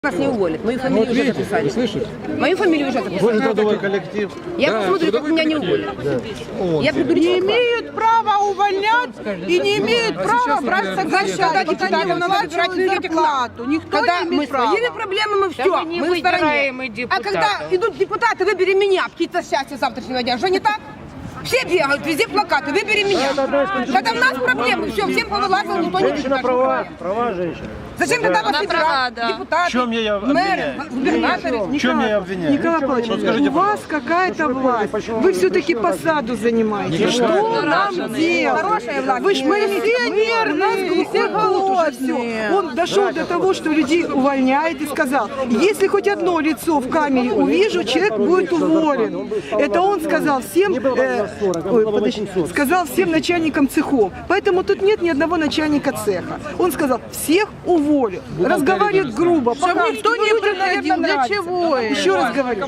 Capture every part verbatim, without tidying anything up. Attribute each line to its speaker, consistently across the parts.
Speaker 1: Нас не уволят. Мою фамилию
Speaker 2: Вот
Speaker 1: уже
Speaker 2: видите,
Speaker 1: записали.
Speaker 2: вы слышите?
Speaker 1: Мою фамилию уже записали.
Speaker 2: Вы же трудовой коллектив.
Speaker 1: Я
Speaker 2: Да,
Speaker 1: посмотрю, как меня не уволят.
Speaker 2: Да.
Speaker 1: Я приду
Speaker 3: Не имеют права увольнять и не имеют
Speaker 2: А
Speaker 3: права
Speaker 2: сейчас,
Speaker 3: брать
Speaker 2: например,
Speaker 3: соглашение.
Speaker 1: когда
Speaker 3: Пока не
Speaker 1: депутатам надо выбирать
Speaker 3: выплачивают
Speaker 1: людям
Speaker 3: зарплату. Никто
Speaker 1: Когда
Speaker 3: не
Speaker 1: мы
Speaker 3: имеет права.
Speaker 1: своими проблемами, мы все,
Speaker 4: мы не
Speaker 1: мы в стороне.
Speaker 4: выбираем и
Speaker 1: А когда идут депутаты, выбери меня, птица счастья завтрашнего дня, что не так? Все бегают, везде плакаты, выбери меня. Когда у нас проблемы, все, всем повылазило, никто не
Speaker 5: Женщина права, права женщина.
Speaker 1: Зачем тогда вас
Speaker 4: Она права,
Speaker 1: выбирать?
Speaker 4: да.
Speaker 1: Депутаты,
Speaker 5: В чем я ее
Speaker 1: мэры,
Speaker 5: обвиняю?
Speaker 1: губернаторы.
Speaker 5: В чем я ее обвиняю?
Speaker 3: Николай Павлович,
Speaker 5: Вот скажите,
Speaker 3: у вас какая-то власть. Вы все-таки посаду занимаете. Что нам делать?
Speaker 1: Хорошая власть.
Speaker 3: Вы ж пенсионер, нас глухоголосый. Он дошел до того, что людей увольняет и сказал, если хоть одно лицо в камере увижу, человек будет уволен. Это он сказал всем, э, ой, подожди, сказал всем начальникам цехов. Поэтому тут нет ни одного начальника цеха. Он сказал, всех уволю. Разговаривает грубо. Чтобы никто не приходил. Для чего? Еще раз говорю.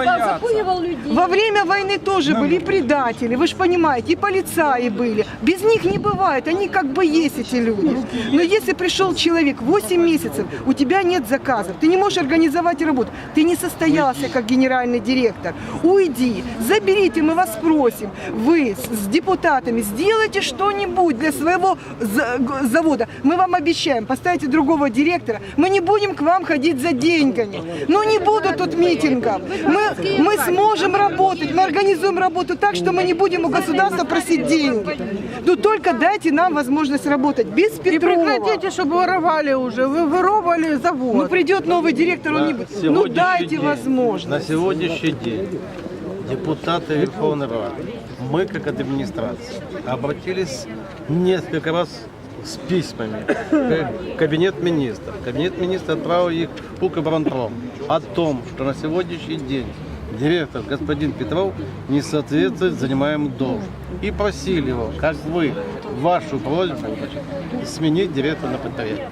Speaker 3: Во время войны тоже были предатели, вы же понимаете, и полицаи были. Без них не бывает, они как бы есть эти люди. Но если пришел человек восемь месяцев, у тебя нет заказов, ты не можешь организовать работу, ты не состоялся как генеральный директор, уйди, заберите, мы вас просим, вы с, с депутатами сделайте что-нибудь для своего за- завода. Мы вам обещаем, поставите другого директора, мы не будем к вам ходить за деньгами. Ну не будут тут митингов. Мы, мы сможем работать, мы организуем работу так, что мы не будем у государства просить деньги. Ну только дайте нам возможность работать без Петрова.
Speaker 6: И прекратите, чтобы воровали уже. Вы воровали завод.
Speaker 3: Ну придет новый директор, он не будет. Ну дайте возможность.
Speaker 5: На сегодняшний день депутаты Верховной Рады, мы как администрация, обратились несколько раз с письмами в Кабинет министров. Кабинет министров отправил их в Укроборонпром о том, что на сегодняшний день директор господин Петров не соответствует занимаемому должности. И просили его, как вы, вашу просьбу, значит, сменить директора на предприятие.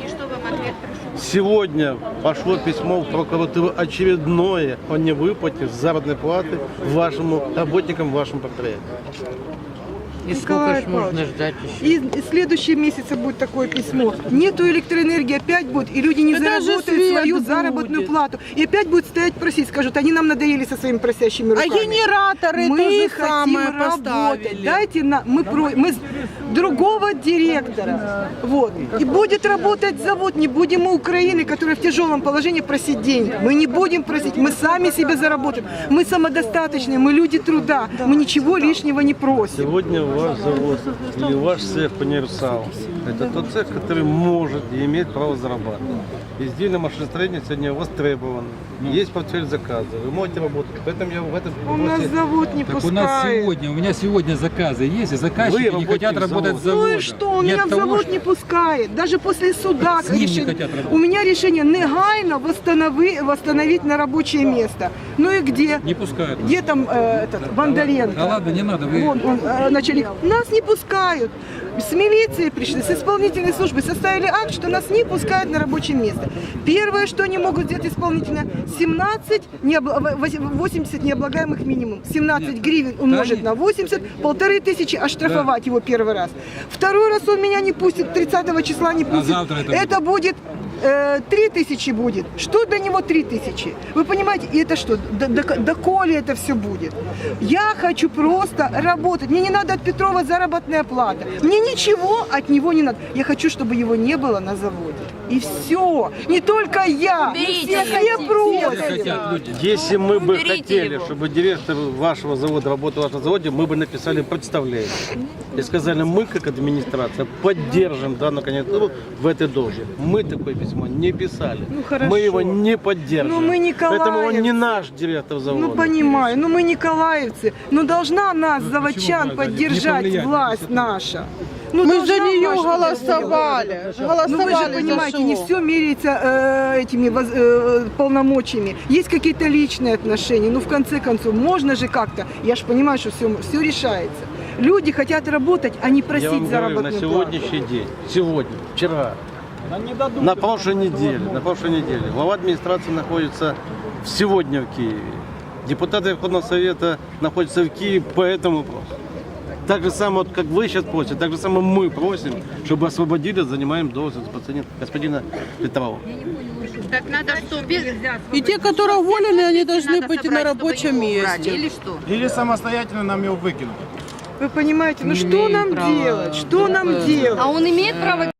Speaker 5: Сегодня пошло письмо в прокуратуру очередное о невыплате заработной платы вашему работникам вашему предприятию.
Speaker 4: И сколько ж можно ждать еще?
Speaker 3: И в следующем месяце будет такое письмо. Нету электроэнергии, опять будет, и люди не
Speaker 6: Это же
Speaker 3: заработают
Speaker 6: свет
Speaker 3: свою
Speaker 6: будет.
Speaker 3: заработную плату. И опять будут стоять просить, скажут, они нам надоели со своими просящими
Speaker 6: А
Speaker 3: руками.
Speaker 6: генераторы
Speaker 3: мы
Speaker 6: то же
Speaker 3: хотим
Speaker 6: самое
Speaker 3: работать.
Speaker 6: поставили.
Speaker 3: Дайте нам, мы, про, мы с другого директора. Вот. И будет работать завод, не будем мы Украины, которая в тяжелом положении, просить деньги. Мы не будем просить, мы сами себе заработаем. Мы самодостаточные, мы люди труда, мы ничего лишнего не просим.
Speaker 5: Сегодня ваш завод или ваш цех по универсалу – это тот цех, который может и имеет право зарабатывать. Изделие машиностроения сегодня востребовано. Есть портфель заказа, вы можете работать. Поэтому я в этом
Speaker 3: У нас
Speaker 5: вопросе-
Speaker 3: завод не
Speaker 2: Так у
Speaker 3: пускает.
Speaker 2: нас сегодня, у меня сегодня заказы есть, и заказчики
Speaker 5: Вы
Speaker 2: не хотят
Speaker 5: работаете в
Speaker 2: работать с
Speaker 5: заводе.
Speaker 2: заводом.
Speaker 3: Ну и что, он
Speaker 2: Не
Speaker 3: меня
Speaker 2: от
Speaker 3: в
Speaker 2: того,
Speaker 3: завод
Speaker 2: что-
Speaker 3: не пускает. Даже после суда
Speaker 2: С ним не
Speaker 3: решение-
Speaker 2: хотят работать.
Speaker 3: у меня решение негайно восстанови, восстановить на рабочее место. Ну и где?
Speaker 2: Не пускают.
Speaker 3: Где там э, этот Бондаренко?
Speaker 2: Да ладно, не надо, вы...
Speaker 3: Вон он, э, начальник. Нас не пускают. С милиции пришли, с исполнительной службы составили акт, что нас не пускают на рабочее место. Первое, что они могут сделать исполнительно, семнадцать, необла- восемьдесят необлагаемых минимум. семнадцать
Speaker 2: Нет.
Speaker 3: гривен умножить
Speaker 2: нет.
Speaker 3: на восемьдесят, полторы тысячи оштрафовать его первый раз. Второй раз он меня не пустит, тридцатого числа не пустит.
Speaker 2: завтра это
Speaker 3: это будет э, три тысячи будет. Что для него три тысячи? Вы понимаете, и это что? До, до, доколе это все будет? Я хочу просто работать. Мне не надо от Петрова заработная плата. Мне ничего от него не надо. Я хочу, чтобы его не было на заводе. И все. Не только я.
Speaker 4: Уберите
Speaker 3: Все,
Speaker 4: его.
Speaker 3: все просят.
Speaker 2: хотят люди.
Speaker 5: Если мы бы
Speaker 4: Уберите
Speaker 5: хотели,
Speaker 4: его.
Speaker 5: чтобы директор вашего завода работал в вашем заводе, мы бы написали представление. И сказали, мы как администрация поддержим данную кандидатуру в этой должности. Мы такое письмо не писали.
Speaker 3: Ну, хорошо.
Speaker 5: Мы его не поддержим.
Speaker 3: Ну, мы
Speaker 5: Поэтому он не
Speaker 3: николаевцы.
Speaker 5: наш директор завода.
Speaker 3: Ну понимаю, ну мы николаевцы, но должна нас,
Speaker 2: Ну,
Speaker 3: заводчан,
Speaker 2: почему, Галя, не
Speaker 3: поддержать
Speaker 2: повлиять?
Speaker 3: власть наша. Ну,
Speaker 6: Мы
Speaker 3: должна
Speaker 6: за нее
Speaker 3: ваша
Speaker 6: голосовали. Голосовали
Speaker 3: Ну вы же
Speaker 6: за
Speaker 3: понимаете,
Speaker 6: что?
Speaker 3: не все меряется э, этими воз- э, полномочиями. Есть какие-то личные отношения. Ну в конце концов, можно же как-то. Я же понимаю, что все, все решается. Люди хотят работать, а не
Speaker 5: Я
Speaker 3: просить
Speaker 5: вам говорю, на
Speaker 3: заработную плату.
Speaker 5: сегодняшний день, сегодня, вчера, на прошлой неделе, на прошлой неделе глава администрации находится сегодня в Киеве. Депутаты Верховного Совета находятся в Киеве по этому вопросу. Так же самое, вот, как вы сейчас просите, так же самое мы просим, чтобы освободили занимаемую должность господина, господина Петрова.
Speaker 7: Так надо что? Без...
Speaker 6: И те, которые уволены, они должны
Speaker 7: Надо
Speaker 6: быть
Speaker 7: собрать,
Speaker 6: на
Speaker 7: чтобы
Speaker 6: рабочем
Speaker 7: его убрали,
Speaker 6: месте.
Speaker 7: или что?
Speaker 2: Или самостоятельно нам его выкинуть.
Speaker 3: Вы понимаете, ну
Speaker 6: Не
Speaker 3: что
Speaker 6: имеем
Speaker 3: нам
Speaker 6: права
Speaker 3: делать? Что нам
Speaker 6: такое.
Speaker 3: делать?
Speaker 7: А он имеет право